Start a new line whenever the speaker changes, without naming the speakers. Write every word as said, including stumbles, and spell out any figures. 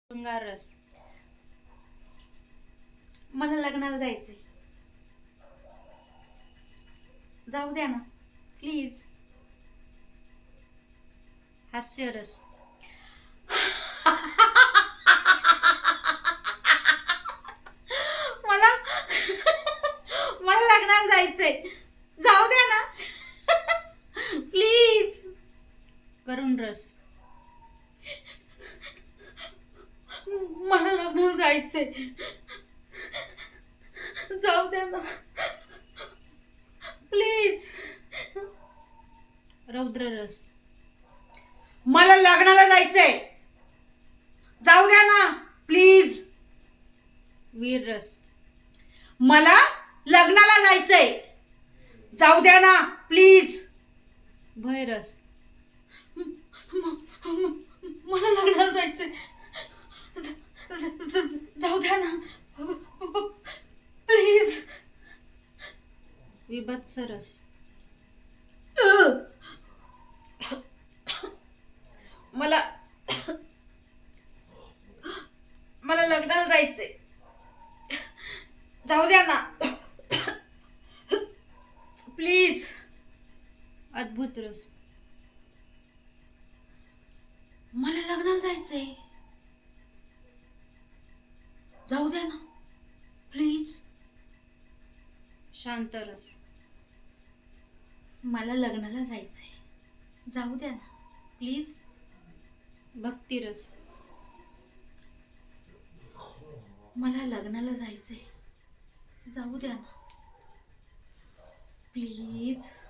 शृंगार रस.
मला लग्नाला जायचंय, जाऊ द्या ना प्लीज.
हास्य रस.
मला मला लग्नाला जायचंय, जाऊ द्या ना प्लीज.
करुण रस.
मला लग्नाला जायचंय, जाऊ द्या ना प्लीज.
रौद्र रस.
मला लग्नाला जायचंय, जाऊ द्या ना प्लीज.
वीर रस.
मला लग्नाला जायचंय, जाऊ द्या ना प्लीज.
भय रस.
मला लग्नाला जायचंय, जाऊ द्या ना प्लीज.
विभत्स रस.
मला मला लग्नाला जायचंय, जाऊ द्या ना प्लीज.
अद्भुत रस.
मला लग्नाला जायचंय, जाऊ द्या ना प्लीज.
शांत रस.
मला लग्नाला जायचंय, जाऊ द्या ना प्लीज.
भक्ती रस.
मला लग्नाला जायचंय, जाऊ द्या ना प्लीज.